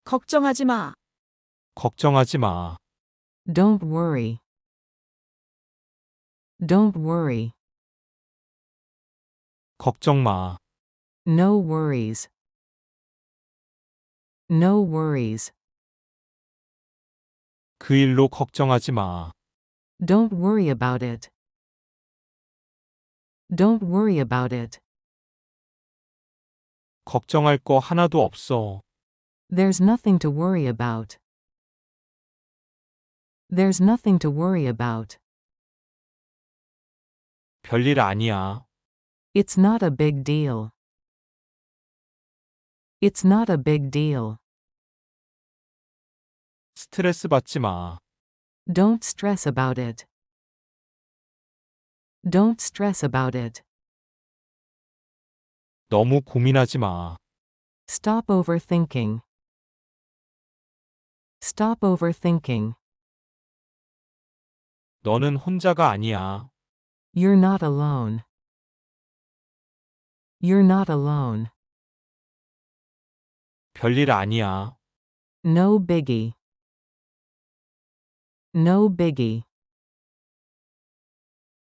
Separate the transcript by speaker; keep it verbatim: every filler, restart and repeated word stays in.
Speaker 1: 걱정하지 마.
Speaker 2: 걱정하지 마.
Speaker 3: Don't worry. Don't worry.
Speaker 2: 걱정 마.
Speaker 3: No worries. No worries.
Speaker 2: 그 일로 걱정하지 마.
Speaker 3: Don't worry about it. Don't worry about it.
Speaker 2: 걱정할 거 하나도 없어.
Speaker 3: There's nothing to worry about. There's nothing to worry about.
Speaker 2: 별일 아니야.
Speaker 3: It's not a big deal. It's not a big deal.
Speaker 2: 스트레스 받지 마.
Speaker 3: Don't stress about it. Don't stress about it.
Speaker 2: 너무 고민하지 마.
Speaker 3: Stop overthinking. Stop overthinking.
Speaker 2: 너는 혼자가 아니야.
Speaker 3: You're not alone. You're not alone.
Speaker 2: 별일 아니야.
Speaker 3: No biggie. No biggie.